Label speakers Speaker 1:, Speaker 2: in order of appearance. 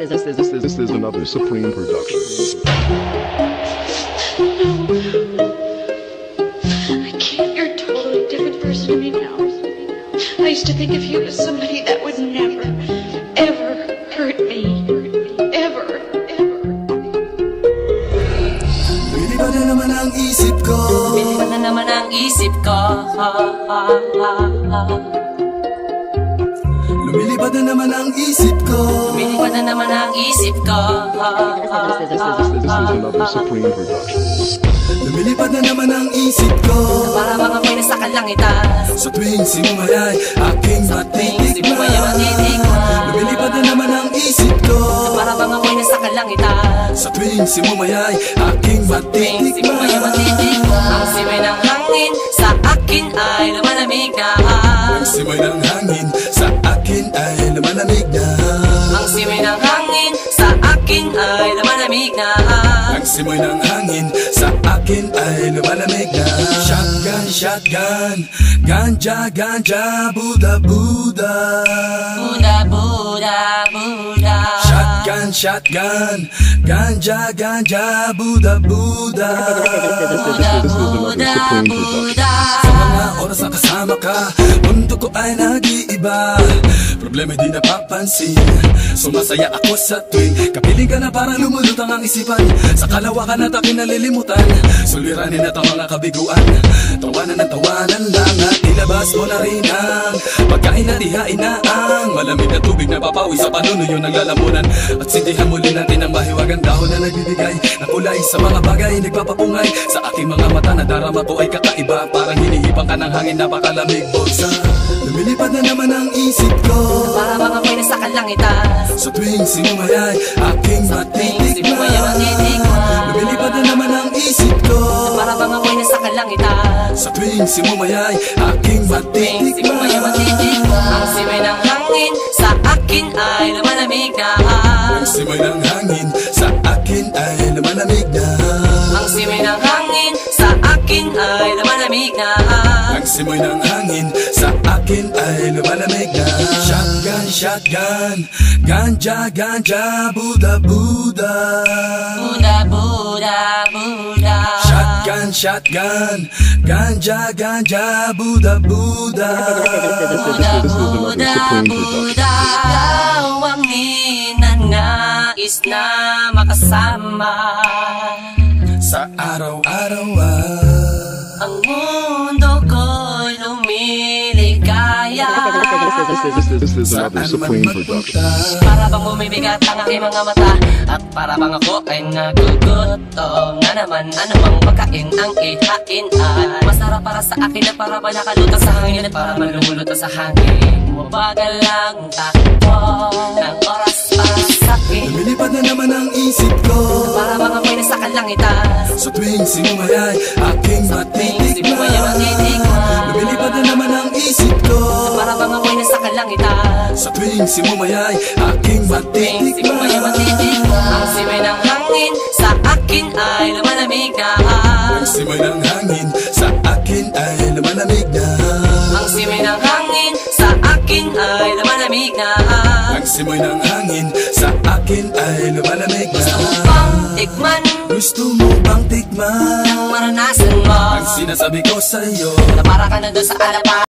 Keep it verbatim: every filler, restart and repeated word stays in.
Speaker 1: This is, this is, this is another Supreme production.
Speaker 2: I can't. You're a totally different person to me now. I used to think of you as somebody that would never, ever hurt me. Ever, ever.
Speaker 3: Lumilipad na naman ang isip ko.
Speaker 4: Lumilipad na naman ang isip ko.
Speaker 3: Lumilipad na naman ang isip ko.
Speaker 4: Lumilipad na naman ang isip ko.
Speaker 1: This is, this is, this is another Supreme production.
Speaker 3: Lumilipad na naman ang isip ko.
Speaker 4: Para mga may nasa kalangitan.
Speaker 3: Sa tuwing simumayay aking matitikman. Lumilipad na naman ang isip ko.
Speaker 4: Para mga may nasa kalangitan.
Speaker 3: Sa tuwing simumayay aking matitikman.
Speaker 4: Ang simoy ng hangin sa akin ay lumalamig na.
Speaker 3: Ang simoy ng hangin sa akin ay lumalamig na.
Speaker 4: Ang simoy ng hangin sa akin ay lumalamig na.
Speaker 3: Ang simoy ng hangin sa akin ay lumalamig na. Shotgun, shotgun, ganja, ganja, Buddha, Buddha.
Speaker 4: Buddha, Buddha, Buddha.
Speaker 3: Shotgun, shotgun, ganja, ganja, Buddha, Buddha.
Speaker 4: Buddha, Buddha, Buddha.
Speaker 3: Sa mga oras na kasama ka, mundo ko ay nag-iiba. Problema di napapansin. Sumasaya ako sa tuwing kapiling ka na parang lumulutang ang isipan. Sa kalawakan at aking nalilimutan, suliranin at ang mga kabiguan. Tawanan ng tawanan lang at ilabas mo na rin ang pagkain at ihain na ang malamig na tubig na papawi sa panunuyo ng lalamunan. At sindihan muli natin ang mahiwagang dahon na nagbibigay na kulay sa mga bagay nagpapapungay. Sa aking mga mata na darama ko ay kakaiba. Parang hinihipang ka ng hangin, napakalamig bulsa. Lumilipad na naman ang isip ko.
Speaker 4: Para mga may nasa kalangitan.
Speaker 3: Sa tuwing simumayay aking matitikman. Lumilipad na naman ang isip ko.
Speaker 4: Para mga may nasa kalangitan.
Speaker 3: Sa tuwing simumayay aking matitikman.
Speaker 4: Ang simoy ng hangin sa akin ay lumalamig na.
Speaker 3: Ang simoy ng hangin sa akin ay lumalamig na.
Speaker 4: Ang simoy ng hangin sa akin ay lumalamig na.
Speaker 3: Ang simoy ng hangin sa akin ay lumalamig na. Shotgun, shotgun, ganja, ganja, Buddha, Buddha.
Speaker 4: Buddha, Buddha, Buddha.
Speaker 3: Shotgun, shotgun, ganja, ganja, Buddha, Buddha.
Speaker 4: Buddha, Buddha, Buddha. Ikaw ang ninanais na makasama.
Speaker 3: Sa araw-araw ah,
Speaker 4: Ang mundo ko'y lumiligaya.
Speaker 1: This is, this is, this is another
Speaker 3: saan man
Speaker 1: Supreme
Speaker 3: magpunta.
Speaker 1: production.
Speaker 4: Para bang bumibigat ang aking mga mata. At para bang ako ay nagugutom na naman. Ano mang pagkain ang ihain ay masarap para sa akin. At para ba nakalutang sa hangin. At para man lumulutang sa hangin. Bumabagal lang takbo ng oras para sa akin.
Speaker 3: Lumilipad na naman ang isip ko.
Speaker 4: Para mga may nasa kalangitan.
Speaker 3: Sa tuwing simumayay aking matitikman. Lumilipad na naman ang isip ko.
Speaker 4: Para mga may nasa kalangitan.
Speaker 3: Sa tuwing simumayay aking matitikman.
Speaker 4: Ang simoy ng hangin sa akin ay lumalamig na.
Speaker 3: Ang simoy ng hangin sa akin ay lumalamig na.
Speaker 4: Ang simoy ng hangin sa akin ay lumalamig na.
Speaker 3: Ang simoy ng hangin sa akin ay lumalamig na.
Speaker 4: Gusto mo bang tikman?
Speaker 3: Gusto mo bang tikman
Speaker 4: Ang maranasan mo
Speaker 3: ang sinasabi ko sa'yo?
Speaker 4: Na para ka na doon sa alapa.